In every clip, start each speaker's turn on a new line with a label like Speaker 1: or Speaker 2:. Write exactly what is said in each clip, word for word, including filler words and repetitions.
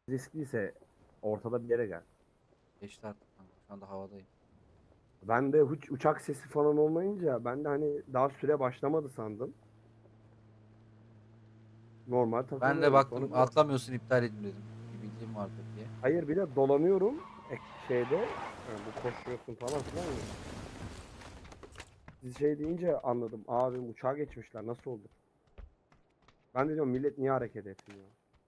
Speaker 1: riskliyse ortada bir yere gel.
Speaker 2: Geçti artık kanka. Şu anda havadayım.
Speaker 1: Ben de hiç uçak sesi falan olmayınca ben de hani daha süre başlamadı sandım. Normal
Speaker 2: Ben de
Speaker 1: takılıyorum. Sonra
Speaker 2: baktım
Speaker 1: bir-
Speaker 2: atlamıyorsun, iptal edin dedim. Bir bildiğim vardır diye.
Speaker 1: hayır bir de dolanıyorum ek şeyde yani bu koşuyorsun falan filan. Ya. Siz şey deyince anladım. Abi uçağa geçmişler nasıl oldu? Ben de diyorum millet niye hareket etmiyor?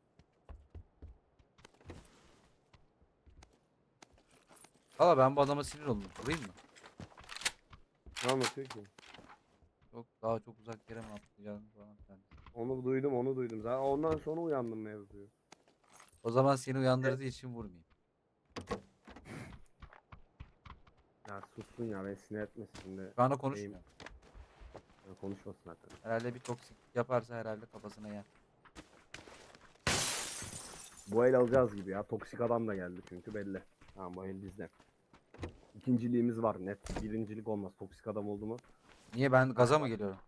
Speaker 2: Valla ben bu adama sinir oldum. Vurayım mı?
Speaker 1: Ne anlatıyor ki?
Speaker 2: Yok, daha çok uzak yere mi atlayacağım falan filan.
Speaker 1: Onu duydum onu duydum. Zaten ondan sonra uyandım mevzuyu.
Speaker 2: O zaman seni uyandırdığı için vurmayayım.
Speaker 1: Ya sussun ya beni sinir etmesin şimdi.
Speaker 2: Şu anda
Speaker 1: Şeyim,
Speaker 2: konuşmuyor.
Speaker 1: ya konuşmasın zaten.
Speaker 2: Herhalde bir toksik yaparsa herhalde kafasına yer.
Speaker 1: Bu el alacağız gibi ya. Toksik adam da geldi çünkü belli. Tamam bu el bizde. İkinciliğimiz var net. Birincilik olmaz. Toksik adam oldu mu?
Speaker 2: Niye, ben gaza mı geliyorum?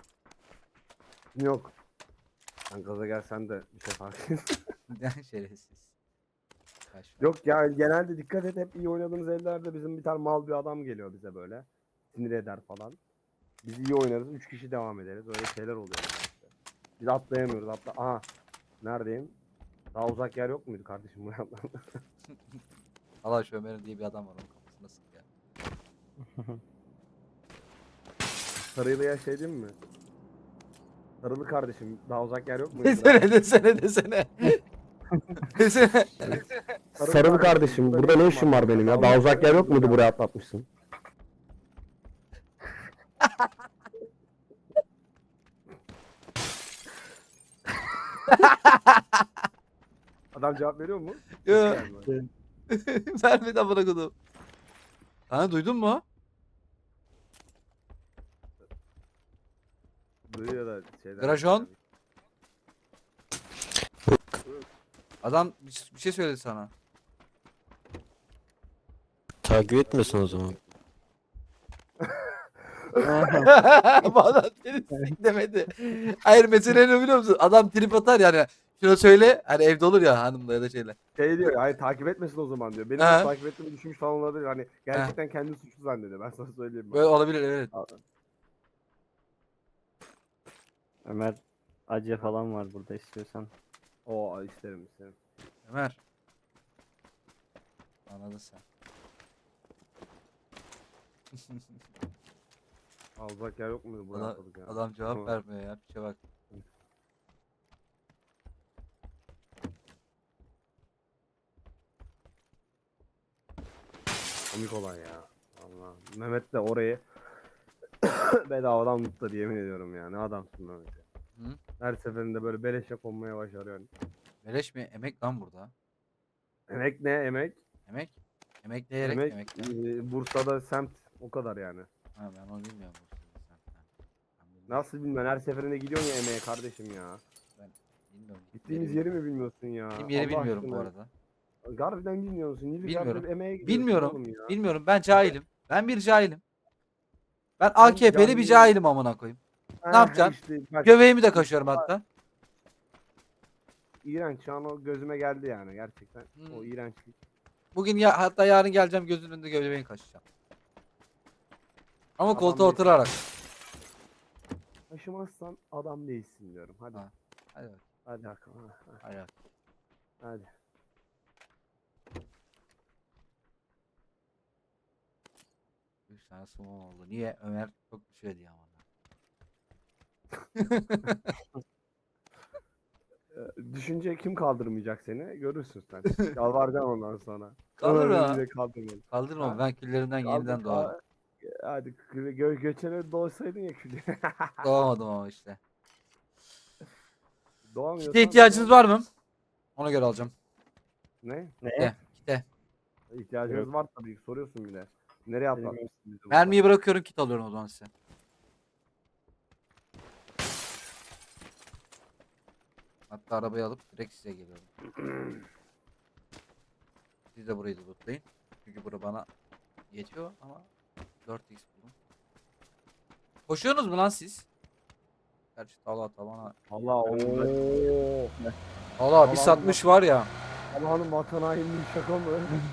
Speaker 1: Yok. Sen gaza gelsen de bir şey fark etmez.
Speaker 2: Şerefsiz. Kaç var.
Speaker 1: Yok ya genelde dikkat et hep iyi oynadığımız ellerde bizim bir tane mal bir adam geliyor bize böyle. Sinir eder falan. Biz iyi oynarız. Üç kişi devam ederiz. Öyle şeyler oluyor işte. Biz atlayamıyoruz. Atla. Aha. Neredeyim? Daha uzak yer yok muydu kardeşim buraya atla.
Speaker 2: Allah şu Ömer'in diye bir adam var, onun kafasına sık ya.
Speaker 1: Sarıylı'ya şey diyeyim mi? Sarılı kardeşim daha uzak yer yok muydu?
Speaker 2: Desene desene desene. Desene.
Speaker 1: Sarılı kardeşim burada ne işin var benim ya? Daha uzak yer yok muydu buraya atlatmışsın? Adam cevap veriyor mu?
Speaker 2: Yo.
Speaker 1: Yani.
Speaker 2: Vermedi amına kodum. Ha, duydun mu?
Speaker 1: Duyuyor da şeyden.
Speaker 2: Grajon. Adam bir bir şey söyledi sana.
Speaker 3: Takip etmiyorsun o zaman.
Speaker 2: Bu adam seni sik demedi. Hayır, mesele ne biliyor musun? Adam trip atar yani. Şunu söyle, hani evde olur ya hanımla ya da şeyle.
Speaker 1: Şey diyor yani takip etmesin o zaman diyor. Benim
Speaker 2: Ha.
Speaker 1: nasıl takip ettiğimi düşünmüş falan olabilir. Hani gerçekten kendini suçlu zannediyor. Ben sana söyleyeyim.
Speaker 2: Böyle
Speaker 1: Bak.
Speaker 2: olabilir, evet.
Speaker 3: Ömer acı falan var burada istiyorsan.
Speaker 1: Oo isterim isterim.
Speaker 2: Ömer. Anladın sen.
Speaker 1: Aa, uzak yer yok muydu buraya
Speaker 2: Adam,
Speaker 1: atladık ya.
Speaker 2: adam cevap
Speaker 1: Tamam.
Speaker 2: vermiyor ya. Piçe bak.
Speaker 1: Komik olay ya. Allah. Mehmet de orayı bedavadan mutlu yemin ediyorum ya. Ne adamsın Mehmet ya.
Speaker 2: Hı?
Speaker 1: Her seferinde böyle beleşe konmaya başarıyorsun.
Speaker 2: Beleş mi? Emek lan burada.
Speaker 1: Emek ne emek?
Speaker 2: Emek. Emekleyerek
Speaker 1: Emek
Speaker 2: emek.
Speaker 1: e, Bursa'da semt o kadar yani.
Speaker 2: Ha, ben onu bilmiyorum. bu sözü sen. Ben, ben bilmiyorum.
Speaker 1: Nasıl bilmem her seferinde gidiyorsun ya emeğe kardeşim ya.
Speaker 2: Ben bilmiyorum.
Speaker 1: Gittiğimiz
Speaker 2: Yeri
Speaker 1: yeri mi bilmiyorsun ya?
Speaker 2: Benim yeri
Speaker 1: Allah
Speaker 2: bilmiyorum bu
Speaker 1: aşkına.
Speaker 2: arada.
Speaker 1: Harbiden bilmiyorsun.
Speaker 2: Bilmiyorum.
Speaker 1: Nilüfer'de emeğe gidiyorsun
Speaker 2: Bilmiyorum.
Speaker 1: oğlum ya.
Speaker 2: Bilmiyorum. Ben cahilim. Ben bir cahilim. Ben
Speaker 1: Sen
Speaker 2: A K P'li bir
Speaker 1: cahil-
Speaker 2: cahilim amına koyayım. Ne
Speaker 1: Ha,
Speaker 2: yapacaksın?
Speaker 1: işte bak,
Speaker 2: Göbeğimi de kaşıyorum hatta.
Speaker 1: iğrenç şu an o gözüme geldi yani gerçekten. O
Speaker 2: Hmm.
Speaker 1: iğrençlik.
Speaker 2: Bugün ya, hatta yarın geleceğim, gözünün önünde göbeğini kaşıyacağım. Ama
Speaker 1: Adam
Speaker 2: koltuğa
Speaker 1: değilsin.
Speaker 2: oturarak.
Speaker 1: Taşımazsan adam değilsin diyorum. Hadi.
Speaker 2: Ha. Hadi bak.
Speaker 1: Hadi Hakan. ha, ha,
Speaker 2: Hadi bak.
Speaker 1: Hadi.
Speaker 2: Üç tane sumum oldu. Niye? Ömer çok bir şey diye ama.
Speaker 1: Ee, Düşünce kim kaldırmayacak seni? Görürsün sen. Yalvaracaksın ondan sonra.
Speaker 2: Kaldırma.
Speaker 1: Öyle kaldırmadı.
Speaker 2: Kaldırma.
Speaker 1: Ha?
Speaker 2: Ben küllerimden
Speaker 1: Kaldır,
Speaker 2: yeniden doğarım.
Speaker 1: ka- Hadi gö göçene doğsaydın ya külü.
Speaker 2: Doğamadım ama işte.
Speaker 1: Doğamıyorsan
Speaker 2: Kite ihtiyacınız
Speaker 1: doğam-
Speaker 2: var mı? Ona göre alacağım.
Speaker 1: Ne?
Speaker 2: Kite. Kite.
Speaker 1: İhtiyacınız var tabii. Soruyorsun bile. Nereye atlatmışsın bizi burada?
Speaker 2: Mermiyi bırakıyorum, kit alıyorum o zaman size. Hatta arabayı alıp direkt size geliyorum. Siz de burayı da lootlayın. Çünkü bura bana yetiyor ama dört x buldum. Koşuyorsunuz mu lan siz? Gerçi tala tavana.
Speaker 1: Allah ooo.
Speaker 2: Allah bir satmış var ya.
Speaker 1: Allah'ın vatan hainliği şaka mı?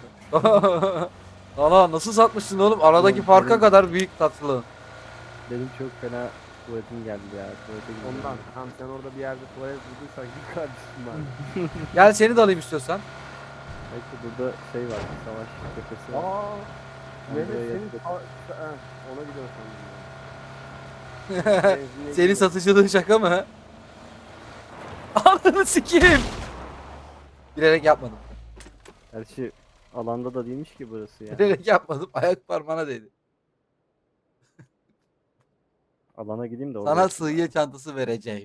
Speaker 2: Valla nasıl satmışsın oğlum? Aradaki
Speaker 3: Oğlum,
Speaker 2: farka
Speaker 3: benim-
Speaker 2: kadar büyük tatlı.
Speaker 3: Benim çok fena tuvaletim geldi ya. Tuvalete gidiyorum.
Speaker 1: Ondan. Tamam sen orada bir yerde tuvalet bulduysan git kardeşim var.
Speaker 2: Gel seni de alayım istiyorsan.
Speaker 3: Belki burada şey var. Savaş cephesi var.
Speaker 1: Aa.
Speaker 3: Ben
Speaker 1: Mehmet
Speaker 3: buraya
Speaker 1: senin
Speaker 3: yatırdım.
Speaker 1: ta- ta- ha, ona gidiyorsun sandım. Benzinliğe
Speaker 2: Senin
Speaker 1: gidiyorum.
Speaker 2: satıcılığın şaka mı? Ananı sikeyim. Bilerek yapmadım.
Speaker 3: Gerçi alanda da değilmiş ki burası ya.
Speaker 2: Bilerek yapmadım. Ayak parmağına değdi.
Speaker 3: Alana gideyim de orada.
Speaker 2: Sana
Speaker 3: yapayım
Speaker 2: sığıya çantası vereceğim.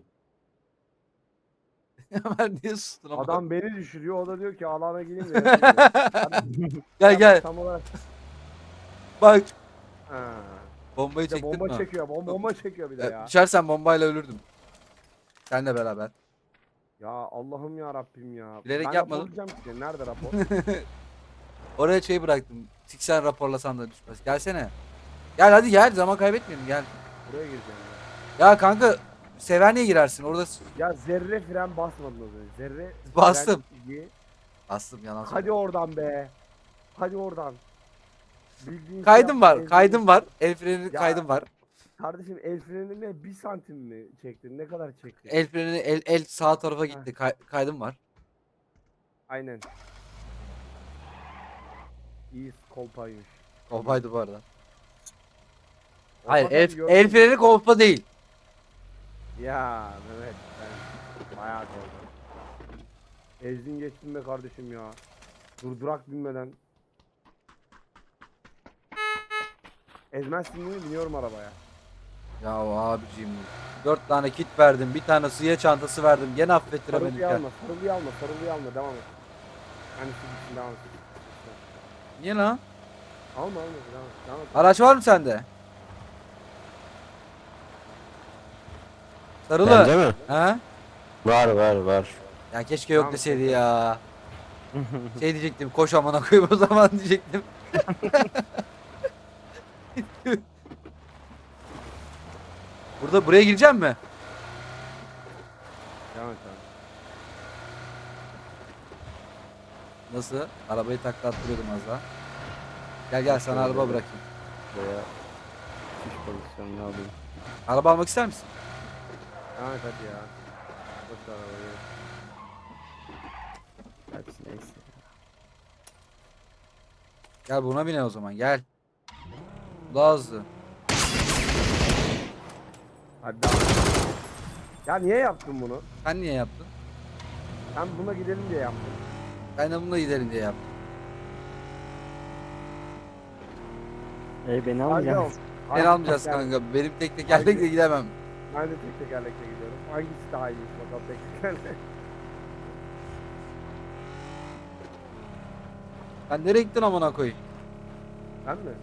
Speaker 2: Hemen niye sustun ama?
Speaker 1: Adam beni düşürüyor o da diyor ki alana gireyim de yapayım diyor.
Speaker 2: Gel gel.
Speaker 1: Tam olarak.
Speaker 2: Bak.
Speaker 1: Ha.
Speaker 2: Bombayı
Speaker 1: Bir de
Speaker 2: çektin
Speaker 1: bomba
Speaker 2: mi?
Speaker 1: çekiyor. Bomba, bomba çekiyor bir de
Speaker 2: Ya,
Speaker 1: ya.
Speaker 2: düşersen bombayla ölürdüm. Seninle beraber.
Speaker 1: Ya Allah'ım ya Rabbim ya.
Speaker 2: Bilerek
Speaker 1: ben
Speaker 2: yapmadım.
Speaker 1: raporlayacağım ki. Nerede rapor?
Speaker 2: Oraya şey bıraktım. Siksen raporlasan da düşmez. Gelsene. Gel hadi gel. Zaman kaybetmeyelim gel.
Speaker 1: Buraya gireceğim ya.
Speaker 2: Ya kanka Severne'ye girersin. Orada s-
Speaker 1: Ya zerre fren basmadın az önce. Zerre
Speaker 2: Bastım.
Speaker 1: fren izi.
Speaker 2: bastım yalan
Speaker 1: Hadi
Speaker 2: söylüyorum.
Speaker 1: oradan be. Hadi oradan. Bildiğin
Speaker 2: Kaydım
Speaker 1: şey
Speaker 2: var.
Speaker 1: yap-
Speaker 2: Kaydım var. El freni
Speaker 1: Ya.
Speaker 2: kaydım var.
Speaker 1: Kardeşim el frenine bir santim mi çektin? Ne kadar çektin?
Speaker 2: El freni el, el sağ tarafa gitti. Kay, kaydım var.
Speaker 1: Aynen. İyi kolpaymış.
Speaker 2: Kolpaydı bu arada. Hayır
Speaker 1: Kolpa
Speaker 2: el,
Speaker 1: tabii gördüm.
Speaker 2: el freni kolpa değil.
Speaker 1: Ya Mehmet ben bayağı kaldım. Ezdin geçtin be kardeşim ya. Durdurak binmeden. Ezmezsin değil mi? Biniyorum arabaya.
Speaker 2: Ya abicim. Dört tane kit verdim. Bir tane suya çantası verdim. Gene affettiremedik
Speaker 1: Sarılıyı
Speaker 2: ya.
Speaker 1: alma, sarılıyı alma, sarılıyı alma. Devam et. Hani siz için devam et.
Speaker 2: Niye lan?
Speaker 1: Alma alma, devam et. Devam et.
Speaker 2: Araç var mı sende? Sarılı.
Speaker 4: Bende mi?
Speaker 2: Ha?
Speaker 4: Var var var.
Speaker 2: Ya keşke yok
Speaker 1: Tamam,
Speaker 2: deseydi
Speaker 1: peki.
Speaker 2: ya. Şey diyecektim. Koş amına koyayım o zaman diyecektim. Burada buraya gireceğim mi?
Speaker 1: Devam et abi.
Speaker 2: Nasıl? Arabayı takla attırıyordum az daha. Gel gel sana araba bırakayım.
Speaker 3: Buraya şiş pozisyonunu alayım.
Speaker 2: Araba almak ister misin?
Speaker 1: Devam et hadi ya. Boş ver arabayı.
Speaker 3: Hepsi neyse.
Speaker 2: Gel buna bine o zaman gel. Daha hızlı.
Speaker 1: Hadi devam et. Ya niye yaptın bunu?
Speaker 2: Sen niye yaptın?
Speaker 1: Sen buna gidelim diye yaptın.
Speaker 2: Ben de bununla gidelim diye yaptım.
Speaker 3: E beni
Speaker 1: Hadi
Speaker 3: almayacaksın.
Speaker 1: al.
Speaker 2: Ben
Speaker 1: Hadi
Speaker 2: almayacağız
Speaker 1: tekerlek.
Speaker 2: kanka. Benim tek tekerlekle gidemem.
Speaker 1: Ben de tek tekerlekle gidiyorum. Hangisi daha iyiymiş bakalım tek tekerlek.
Speaker 2: Sen nereye gittin amına koyayım?
Speaker 1: Ben mi?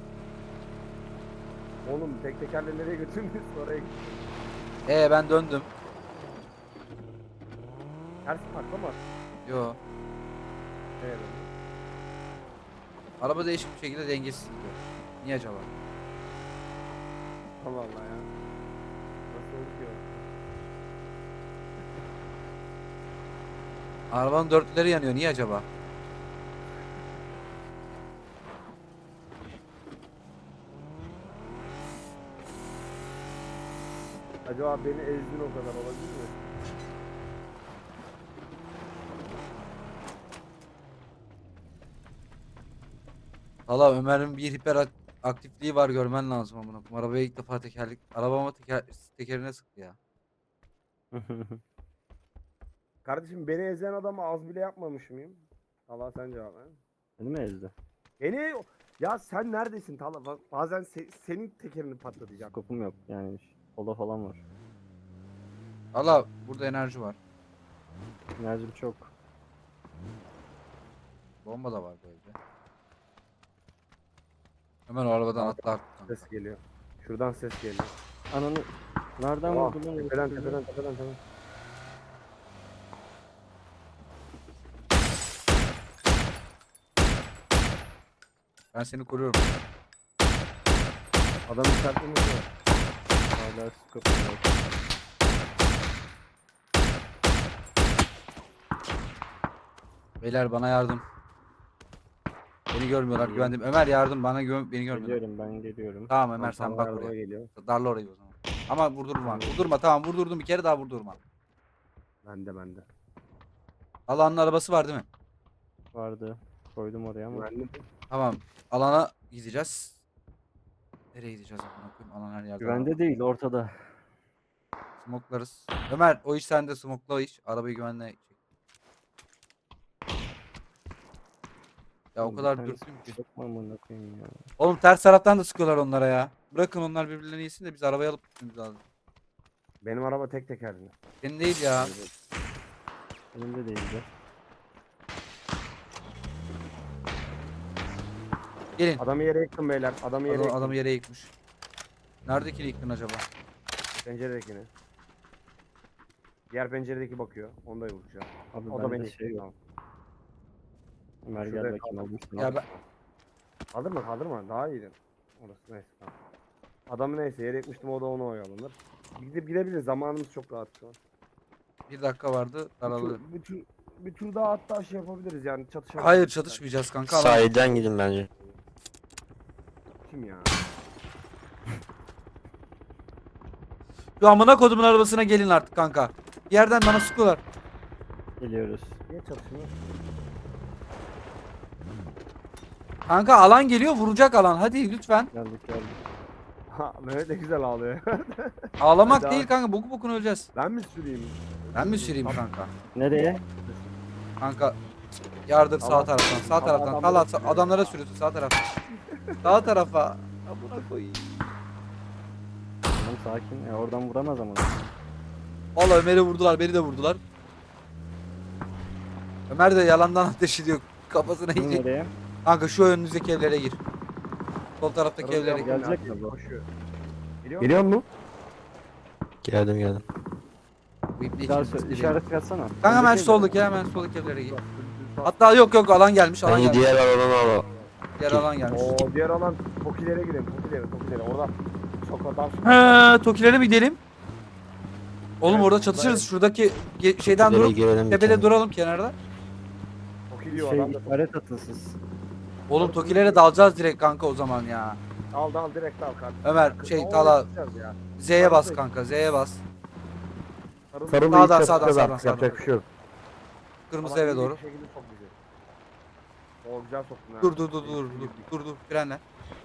Speaker 1: Oğlum tek tekerle nereye götürdünüz oraya gittim.
Speaker 2: Ee ben döndüm.
Speaker 1: Ters takla mı attın?
Speaker 2: Yo.
Speaker 1: Evet.
Speaker 2: Araba değişik bir şekilde dengesiz gidiyor. Niye acaba?
Speaker 1: Allah Allah ya. Nasıl oldu ki o?
Speaker 2: Arabanın dörtlüleri yanıyor. Niye acaba?
Speaker 1: Acaba beni ezdin o kadar olabilir mi?
Speaker 2: Valla Ömer'in bir hiper ak- aktifliği var görmen lazım amına koyayım. Arabaya ilk defa tekerlek arabama teker tekerine sıktı ya.
Speaker 1: Kardeşim beni ezen adamı az bile yapmamış mıyım? Allah sen cevap ver.
Speaker 3: Beni mi ezdi?
Speaker 1: Beni ya sen neredesin Talha? Bak, bazen se- senin tekerini patlatacağım.
Speaker 3: Skopum yok yani. Kola falan var.
Speaker 2: Valla burada enerji var.
Speaker 3: Enerjim çok.
Speaker 2: Bomba da var bu evde. Hemen o arabadan atla artık kanka.
Speaker 1: Ses geliyor. Şuradan ses geliyor.
Speaker 3: Ananı nereden
Speaker 1: Aa,
Speaker 3: vurdun lan?
Speaker 1: tepeden tepeden tepeden tepeden.
Speaker 2: Ben seni koruyorum.
Speaker 1: Adamın sertliğini vuruyor.
Speaker 3: Hala skopum yok.
Speaker 2: Beyler bana yardım. Beni görmüyorlar güvendim. Ömer yardım bana gö beni görmüyorlar.
Speaker 3: Geliyorum ben geliyorum.
Speaker 2: Tamam Ömer
Speaker 1: Tam
Speaker 2: sen
Speaker 1: sana
Speaker 2: bak
Speaker 1: yardıma
Speaker 2: oraya.
Speaker 1: geliyor.
Speaker 2: Darla orayı o zaman. Ama vurdurma. Vurdurma tamam vurdurdum bir kere daha vurdurma.
Speaker 1: Bende bende.
Speaker 2: Alanın arabası var değil mi?
Speaker 3: Vardı. Koydum oraya ama.
Speaker 1: Güvenli mi?
Speaker 2: Tamam. Alana gideceğiz. Nereye gideceğiz amına koyayım? Alan her yerde.
Speaker 3: Güvende değil ortada.
Speaker 2: Smoklarız. Ömer o iş sende smokla o iş. Arabayı güvenle çek. Ya o
Speaker 3: Oğlum bir
Speaker 2: kadar
Speaker 3: tanesi
Speaker 2: dürtüyüm ki.
Speaker 3: Sokma amına koyayım ya.
Speaker 2: Oğlum ters taraftan da sıkıyorlar onlara ya. Bırakın onlar birbirlerini yesin de biz arabayı alıp gitmemiz lazım.
Speaker 1: Benim araba tek tekerli.
Speaker 2: Senin değil ya.
Speaker 3: Elimde değildi.
Speaker 2: Gelin.
Speaker 1: Adamı yere yıktım beyler. Adamı yere
Speaker 2: Adam,
Speaker 1: yıktım.
Speaker 2: adamı yere yıkmış. Neredekini yıktın acaba?
Speaker 1: Penceredekini. Diğer penceredeki bakıyor. Onu da vuracağım.
Speaker 3: Abi
Speaker 1: O da
Speaker 3: bende
Speaker 1: beni
Speaker 3: şey
Speaker 1: yıktı.
Speaker 3: yok. Ömer
Speaker 1: Şurada
Speaker 3: gel bakayım aldım seni.
Speaker 2: Ya ben...
Speaker 1: Kaldırma kaldırma. Daha iyiydi. Orası neyse tamam. Adamı neyse yere yıkmıştım, o da onu oyalanır. Gidip gidebiliriz. Zamanımız çok rahat şu an.
Speaker 2: Bir dakika vardı.
Speaker 1: Bir
Speaker 2: Daralır.
Speaker 1: tur, bir tur, bir tur daha hatta şey yapabiliriz yani çatışabiliriz.
Speaker 2: Hayır çatışmayacağız kanka. Alan...
Speaker 4: Sahilden gidin bence.
Speaker 1: Kim ya?
Speaker 2: Şu amına kodumun arabasına gelin artık kanka. Bir yerden bana sıkıyorlar.
Speaker 3: Geliyoruz.
Speaker 1: Niye çatışmıyor?
Speaker 2: Kanka alan geliyor vuracak alan. Hadi lütfen.
Speaker 3: Geldik geldik.
Speaker 1: Ha Mehmet de güzel ağlıyor.
Speaker 2: Ağlamak
Speaker 1: Hadi
Speaker 2: değil
Speaker 1: abi.
Speaker 2: kanka. Boku bokunu öleceğiz.
Speaker 1: Ben mi süreyim?
Speaker 2: Ben mi süreyim kanka?
Speaker 3: Nereye?
Speaker 2: Kanka yardır sağ
Speaker 1: Allah.
Speaker 2: taraftan. Sağ
Speaker 1: Allah
Speaker 2: taraftan.
Speaker 1: adamlara
Speaker 2: Talat
Speaker 1: sürüyor
Speaker 2: adamlara
Speaker 1: ya.
Speaker 2: sürüyorsun sağ tarafa. Sağ tarafa. Amına koyayım.
Speaker 3: Tamam sakin. Ya oradan vuramaz ama.
Speaker 2: Valla Ömer'i vurdular, beni de vurdular. Ömer de yalandan ateş ediyor. Kafasına
Speaker 3: Kim
Speaker 2: yiyecek.
Speaker 3: nereye?
Speaker 2: Kanka şu önünüzdeki evlere gir. Sol taraftaki evlere gir.
Speaker 3: Gelecek mi bu?
Speaker 1: Koşuyor. Geliyor mu?
Speaker 3: Geliyor mu?
Speaker 4: Geldim geldim.
Speaker 2: Bu ipne
Speaker 3: Bir daha
Speaker 2: içimiz
Speaker 3: sö-
Speaker 2: değil.
Speaker 3: işaret yatsana.
Speaker 2: Kanka hemen
Speaker 3: Öndeki
Speaker 2: soldaki hemen soldaki evlere gir. Hatta yok yok alan gelmiş alan
Speaker 4: Bence
Speaker 2: gelmiş.
Speaker 4: diğer alanı al.
Speaker 2: Diğer alan gelmiş.
Speaker 1: Oo diğer alan Tokilere gidelim. Tokilere, Tokilere. Orada sokaktan
Speaker 2: He, Tokilere mi gidelim? Oğlum
Speaker 1: Evet,
Speaker 2: orada
Speaker 1: orada
Speaker 2: çatışırız.
Speaker 1: evet.
Speaker 2: Şuradaki ge- şeyden
Speaker 4: Tokilere
Speaker 2: durup
Speaker 4: girelim bir
Speaker 2: tepede
Speaker 4: tane.
Speaker 2: duralım kenarda.
Speaker 1: Tokiliyor
Speaker 3: Şey
Speaker 1: adam da.
Speaker 3: işaret atın siz.
Speaker 2: Oğlum Tokilere dalacağız direkt kanka o zaman ya.
Speaker 1: Al dal direkt al kardeşim.
Speaker 2: Ömer
Speaker 1: Kız-
Speaker 2: şey
Speaker 1: Oraya
Speaker 2: Tala
Speaker 1: gideceğiz ya.
Speaker 2: Z'ye bas kanka Z'ye bas.
Speaker 1: Sarı-
Speaker 4: Sarılı
Speaker 2: Sağdan,
Speaker 4: ilk
Speaker 2: sağdan,
Speaker 4: çatışacağız
Speaker 2: sağdan,
Speaker 4: artık, yapacak bir şey yok.
Speaker 2: Kırmızı
Speaker 1: Alan
Speaker 2: eve
Speaker 1: iyi
Speaker 2: doğru.
Speaker 1: bir şekilde sok bizi. O güzel soktun ha.
Speaker 2: Dur dur dur dur dur dur dur frenle.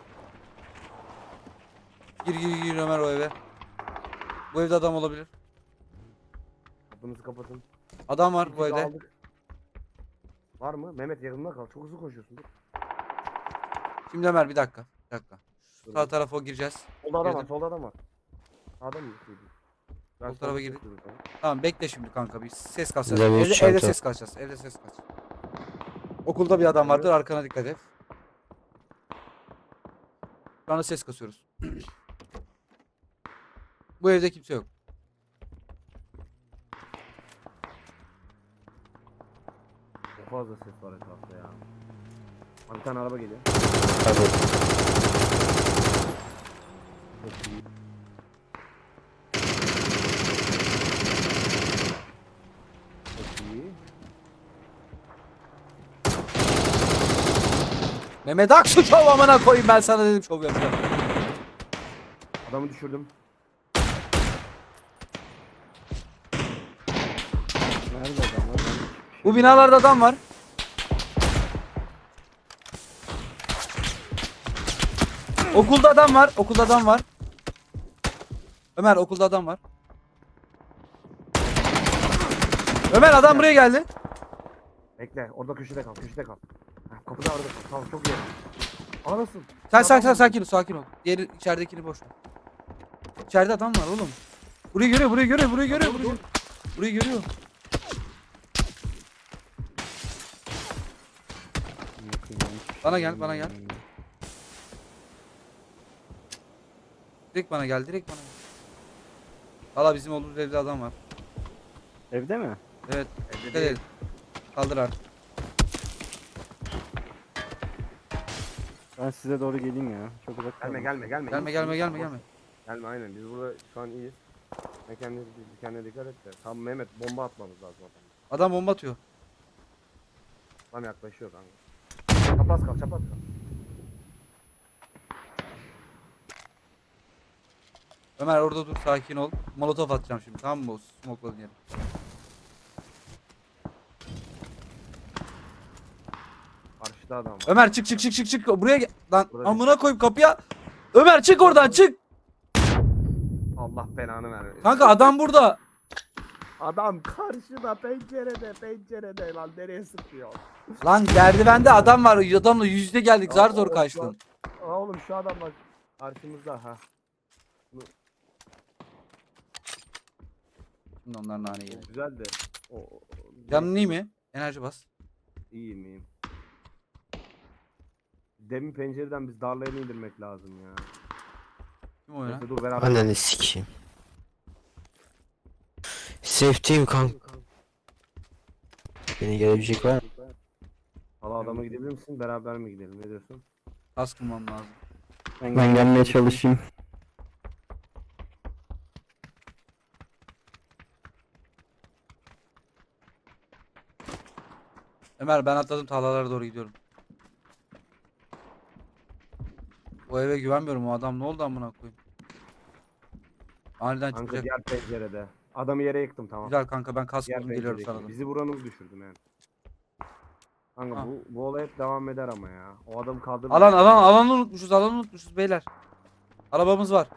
Speaker 2: Gir gir gir Ömer o eve. Bu evde adam olabilir.
Speaker 1: Kapınızı kapatın.
Speaker 2: Adam var bu
Speaker 1: İkimiz
Speaker 2: evde.
Speaker 1: aldık. Var mı? Mehmet yakında kal. Çok hızlı koşuyorsun. Dur.
Speaker 2: Şimdi Ömer bir dakika. Bir dakika.
Speaker 1: Dur.
Speaker 2: Sağ tarafa o gireceğiz.
Speaker 1: Solda adam var.
Speaker 2: Girdim.
Speaker 1: Solda adam var. Sağda mı? Ben
Speaker 2: Sol
Speaker 1: solda
Speaker 2: tarafa girdik.
Speaker 1: koşuyorum sana.
Speaker 2: Tamam bekle şimdi kanka bir ses kasacağız.
Speaker 4: Bize bir
Speaker 2: Evde,
Speaker 4: çanta.
Speaker 2: evde ses kasacağız. Evde ses kaç. Okulda bir adam vardır arkana dikkat et. Şu anda ses kasıyoruz. Bu evde kimse yok.
Speaker 1: Çok fazla ses var etrafta ya. Abi bir tane araba geliyor.
Speaker 4: Hadi.
Speaker 1: Çok iyi. Çok iyi.
Speaker 2: Mehmet Aksu şov amına koyayım ben sana dedim şov yapacağım.
Speaker 1: Adamı düşürdüm.
Speaker 3: Nerede adam var?
Speaker 2: Bu binalarda adam var. Okulda adam var. Okulda adam var. Ömer okulda adam var. Ömer adam buraya geldi.
Speaker 1: Bekle. Orada köşede kal. Köşede kal. Ha, kapıda orada kal. Tamam çok iyi. Anasın.
Speaker 2: Sen sen sen sakin ol sakin ol. Diğeri içeridekini boş ver. İçeride adam var oğlum. Burayı görüyor burayı görüyor burayı görüyor. Burayı, görüyor. Burayı görüyor. Bana gel, bana gel. Direkt bana gel direkt bana gel. Valla bizim olduğumuz evde adam var.
Speaker 3: Evde mi?
Speaker 2: Evet.
Speaker 1: Evde
Speaker 2: Dikkat
Speaker 1: değil.
Speaker 2: edin. Kaldır artık.
Speaker 3: Ben size doğru geleyim ya. Çok uzak
Speaker 1: Gelme
Speaker 3: kaldım.
Speaker 1: gelme gelme.
Speaker 2: Gelme
Speaker 1: İyisin,
Speaker 2: gelme
Speaker 1: iyisin.
Speaker 2: gelme gelme.
Speaker 1: Gelme aynen. Biz burada şu an iyiyiz. Sen kendine, kendine dikkat et de. Tamam Mehmet bomba atmamız lazım adamı.
Speaker 2: Adam bomba atıyor.
Speaker 1: Tam yaklaşıyor kanka. Çapraz kal, çapraz kal.
Speaker 2: Ömer orada dur, sakin ol. Molotof atacağım şimdi, tamam mı? O smoke'ladığın yere.
Speaker 1: Karşıda adam var.
Speaker 2: Ömer çık çık çık çık çık. Buraya gel. Lan
Speaker 1: Burada
Speaker 2: amına koyayım kapıya. Ömer çık oradan, çık.
Speaker 1: Allah belanı vermesin.
Speaker 2: Kanka adam burada.
Speaker 1: Adam karşıda, pencerede, pencerede lan, nereye sıkıyor?
Speaker 2: Lan merdivende adam var. Adamla yüzde geldik. Zar zor
Speaker 1: Aa,
Speaker 2: kaçtın.
Speaker 1: Aa, oğlum şu adam bak karşımızda ha.
Speaker 2: Şimdi onlar nane yedi.
Speaker 1: Güzeldi. O, o-
Speaker 2: Canın iyi mi? Enerji bas.
Speaker 1: İyiyim iyiyim. Demin pencereden biz darlayını indirmek lazım ya.
Speaker 2: Kim o ya?
Speaker 1: Neyse dur beraber.
Speaker 4: Ananı sikeyim. Safety'yim kanka. Beni gelebilecek var mı?
Speaker 1: Hala adama gidebilir misin? Beraber mi gidelim? Ne diyorsun?
Speaker 2: Tas kılmam lazım.
Speaker 3: Ben,
Speaker 4: Ben gelmeye çalışayım.
Speaker 2: Ömer ben atladım, tarlalara doğru gidiyorum. O eve güvenmiyorum, o adam ne oldu amına koyayım. Aniden
Speaker 1: Kanka
Speaker 2: çıkacak.
Speaker 1: diğer pencerede. Adamı yere yıktım tamam.
Speaker 2: Güzel kanka, ben kas
Speaker 1: Diğer
Speaker 2: buldum, geliyorum
Speaker 1: penceredeki.
Speaker 2: sana da.
Speaker 1: Bizi vuranı düşürdüm yani. Kanka
Speaker 2: Ha.
Speaker 1: bu, bu olay hep devam eder ama ya. O adamı kaldırdı.
Speaker 2: Alan alan alanı unutmuşuz, alanı unutmuşuz beyler. Arabamız var.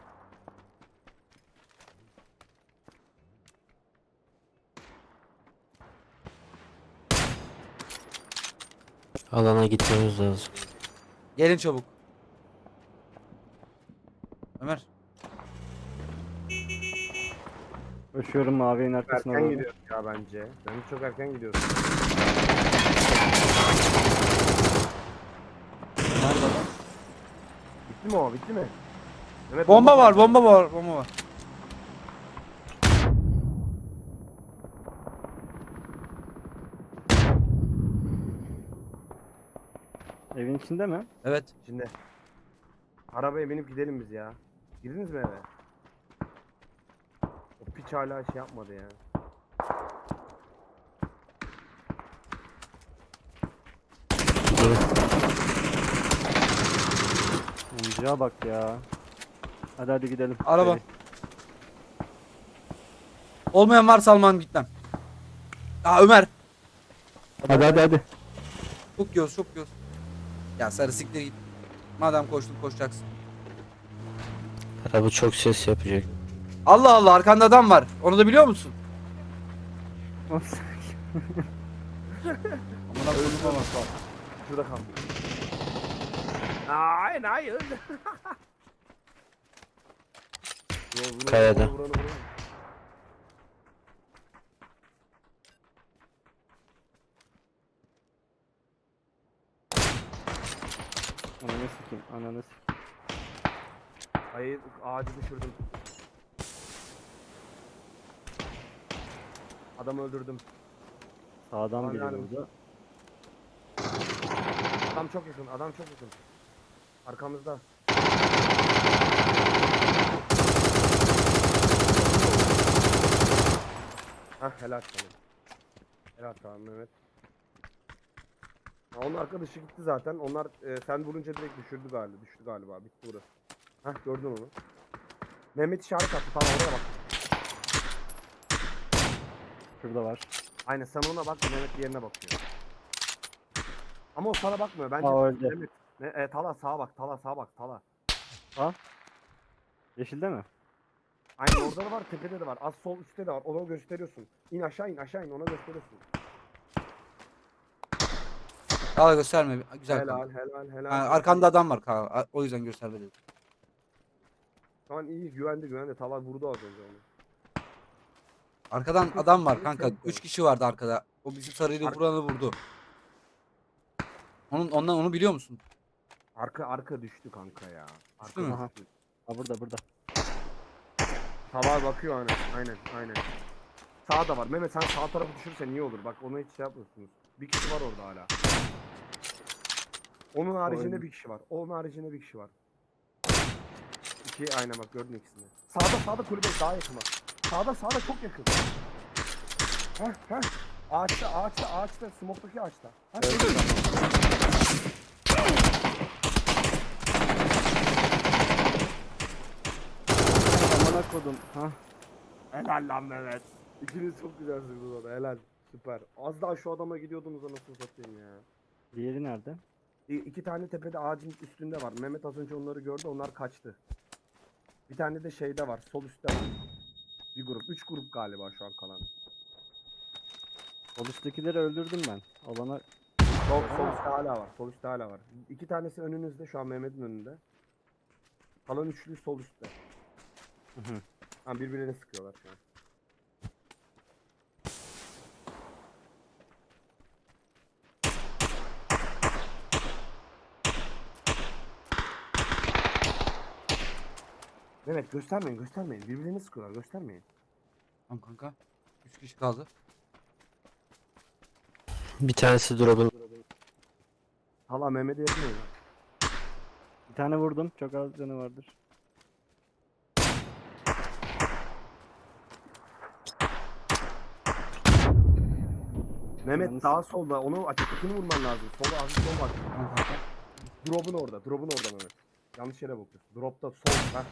Speaker 4: Alana gitmemiz lazım.
Speaker 2: Gelin çabuk. Ömer.
Speaker 3: koşuyorum mavinin arkasına
Speaker 1: Erken
Speaker 3: doğru.
Speaker 1: gidiyoruz ya bence. Bence çok erken gidiyoruz.
Speaker 2: Nerede lan?
Speaker 1: Bitti mi o? Bitti mi? Evet,
Speaker 2: Bomba var, bomba var, bomba var.
Speaker 3: Evin içinde mi?
Speaker 2: Evet.
Speaker 1: Şimdi. Arabaya binip gidelim biz ya. Girdiniz mi eve? O piç hala şey yapmadı ya.
Speaker 3: Oyuncağa bak ya. Hadi hadi gidelim.
Speaker 2: Araba.
Speaker 3: Seri.
Speaker 2: Olmayan varsa Alman gitmem. Aa Ömer.
Speaker 3: Hadi hadi hadi.
Speaker 2: Çok göz, çok göz. Ya sarı siktir git. Madem koştun koşacaksın.
Speaker 4: Araba çok ses yapacak.
Speaker 2: Allah Allah, arkanda adam var. Onu da biliyor musun? Amına koyayım ama.
Speaker 1: Şurada kaldı. Hayır hayır. Yo, vurun,
Speaker 4: Kayada.
Speaker 1: vurun, vurun, vurun.
Speaker 3: Ananı sikeyim. Ananı sikeyim.
Speaker 1: Hayır ağacı düşürdüm. Adamı öldürdüm.
Speaker 3: Sağdan biri
Speaker 1: Anladım.
Speaker 3: vurdu.
Speaker 1: Adam çok yakın, adam çok yakın. Arkamızda. Hah helal sana. Helal sana Mehmet. Ha, onun arkadaşı gitti zaten. Onlar e, sen vurunca direkt düşürdü galiba. Düştü galiba. Bitti burası. Hah gördün onu. Mehmet işaret attı. Tamam oraya bak.
Speaker 3: Şurada var.
Speaker 1: Aynen sen ona bak. Mehmet diğerine bakıyor. Ama o sana bakmıyor. Bence
Speaker 3: Aa, öldü.
Speaker 1: Mehmet. Ne, e, Tala sağa bak. Tala sağa bak. Tala.
Speaker 3: Yeşilde mi?
Speaker 1: Aynen orada da var. Tepede de var. Az sol üstte de var. Ona gösteriyorsun. İn aşağı in aşağı in. Ona gösteriyorsun.
Speaker 2: Al gösterme. Güzel
Speaker 1: Helal
Speaker 2: kanka.
Speaker 1: helal helal.
Speaker 2: Ha, arkanda adam var kanka. O yüzden gösterme dedim.
Speaker 1: Tamam iyi güvendi güvendi. Tala vurdu az önce onu.
Speaker 2: Arkadan
Speaker 1: Çok
Speaker 2: adam var
Speaker 1: çok
Speaker 2: kanka.
Speaker 1: çok
Speaker 2: Üç kişi vardı arkada. O bizi sarıyla
Speaker 1: Ar-
Speaker 2: vuranı vurdu. Onun ondan onu biliyor musun?
Speaker 1: Arka arka düştü kanka ya. Arka
Speaker 2: Düştü mü?
Speaker 1: düştü.
Speaker 3: Ha burada burada.
Speaker 1: Tala bakıyor aynen. Aynen aynen. Sağda var. Mehmet sen sağ tarafı düşürsen iyi olur. Bak onu hiç şey yapmıyorsunuz. Bir kişi var orada hala. Onun haricinde
Speaker 3: Oyun.
Speaker 1: bir kişi var. Onun haricinde bir kişi var. İki aynen bak gördün ikisini. Sağda sağda kulübe daha yakın bak. Sağda sağda çok yakın. Heh heh. Ağaçta, ağaçta, ağaçta, smoke'daki ağaçta. Ha,
Speaker 3: Evet.
Speaker 1: şurada.
Speaker 3: Amına kodum. Ha.
Speaker 1: Helal lan Mehmet. İkiniz çok güzelsiniz orada, helal. Süper. Az daha şu adama gidiyordunuz anasını satayım ya.
Speaker 3: Diğeri nerede?
Speaker 1: İ- İki tane tepede ağacın üstünde var. Mehmet az önce onları gördü, onlar kaçtı. Bir tane de şeyde var, sol üstte var. Bir grup, üç grup galiba şu an kalan.
Speaker 3: Sol üsttekileri öldürdüm ben. Alana
Speaker 1: Sol, sol üstte hala var, sol üstte hala var. İki tanesi önünüzde, şu an Mehmet'in önünde. Kalan üçlü sol üstte.
Speaker 3: Hı hı.
Speaker 1: Ha, birbirine sıkıyorlar şu an. Mehmet göstermeyin, göstermeyin. Birbirine sıkıyorlar, göstermeyin.
Speaker 2: Tamam kanka. Üç kişi kaldı.
Speaker 4: Bir tanesi drop'un.
Speaker 1: Hala Mehmet'e yapmıyor.
Speaker 3: bir tane vurdum. Çok az canı vardır.
Speaker 1: Mehmet
Speaker 3: Yalnız-
Speaker 1: daha solda, onu açıktakini vurman lazım. Sola, hafif sol bak.
Speaker 2: Tamam kanka.
Speaker 1: Drop'un orada, drop'un orada Mehmet. Yanlış yere bakıyorsun. Drop'ta sol, ha.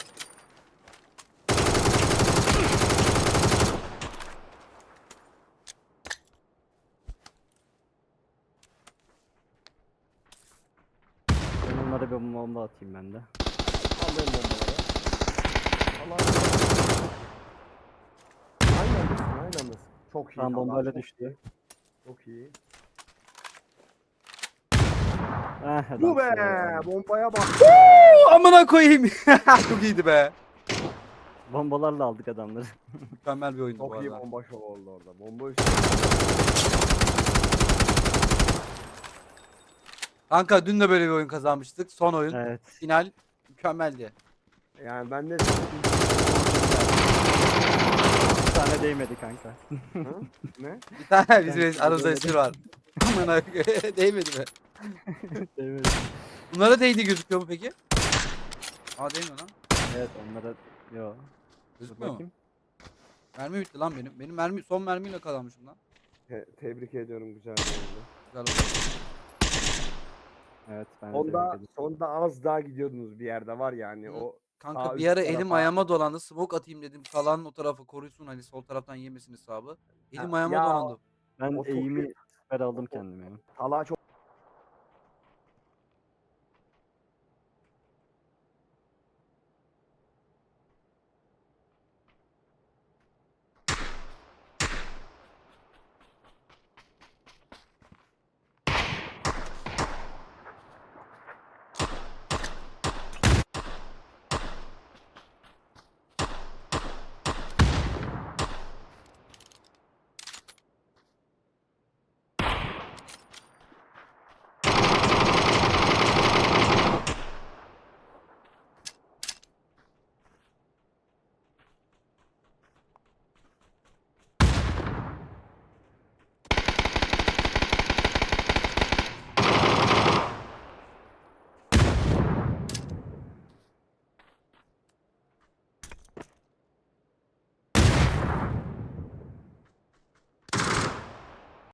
Speaker 3: Ben onlara bir bomba atayım ben de.
Speaker 1: Allah'ın bombaları. Allah'ın Aynı andasın, aynı andasın. Çok iyi.
Speaker 3: Tam
Speaker 1: Talha,
Speaker 3: bombayla
Speaker 1: çok
Speaker 3: düştü.
Speaker 1: iyi. Çok iyi.
Speaker 3: Ah,
Speaker 1: Bu be!
Speaker 3: adamsın.
Speaker 1: Bombaya bak.
Speaker 2: Amına koyayım. Çok iyiydi be.
Speaker 3: Bombalarla aldık adamları.
Speaker 2: Mükemmel bir oyundu bu
Speaker 1: Çok iyi
Speaker 2: arada.
Speaker 1: bomba şov oldu orada. Bomba üstü.
Speaker 2: Kanka dün de böyle bir oyun kazanmıştık. Son oyun.
Speaker 3: Evet.
Speaker 2: Final mükemmeldi.
Speaker 1: Yani ben de...
Speaker 3: Bir tane değmedi kanka.
Speaker 1: Hı? Ne?
Speaker 2: Bir tane
Speaker 3: Ben
Speaker 2: bizim
Speaker 3: size
Speaker 2: aramızda
Speaker 3: böyle
Speaker 2: espri var. Amına koyayım. Değmedi mi?
Speaker 3: Değmedi.
Speaker 2: Bunlara değdi gözüküyor mu peki? Aa değmiyor lan.
Speaker 3: Evet onlara... Yo. Dur
Speaker 2: Gözükmüyor mu?
Speaker 3: bakayım.
Speaker 2: Mermi bitti lan benim. Benim mermi son mermiyle kazanmışım lan.
Speaker 1: Te- tebrik ediyorum, güzel bir oyundu.
Speaker 2: Güzel oldu.
Speaker 3: Evet ben de
Speaker 1: Sonda,
Speaker 3: tebrik ederim.
Speaker 1: sonda az daha gidiyordunuz bir yerde var yani
Speaker 2: Hı.
Speaker 1: o
Speaker 2: Kanka
Speaker 1: sağ
Speaker 2: bir
Speaker 1: üst
Speaker 2: ara elim
Speaker 1: tarafa-
Speaker 2: ayağıma dolandı. Smoke atayım dedim. Kalan o tarafa koruysun hani sol taraftan yemesin hesabı. Elim
Speaker 1: Ha,
Speaker 2: ayağıma
Speaker 1: ya,
Speaker 2: dolandı.
Speaker 3: Ben
Speaker 1: o çok
Speaker 3: eğimi
Speaker 1: iyi.
Speaker 3: süper aldım kendime. ya.
Speaker 1: Talha çok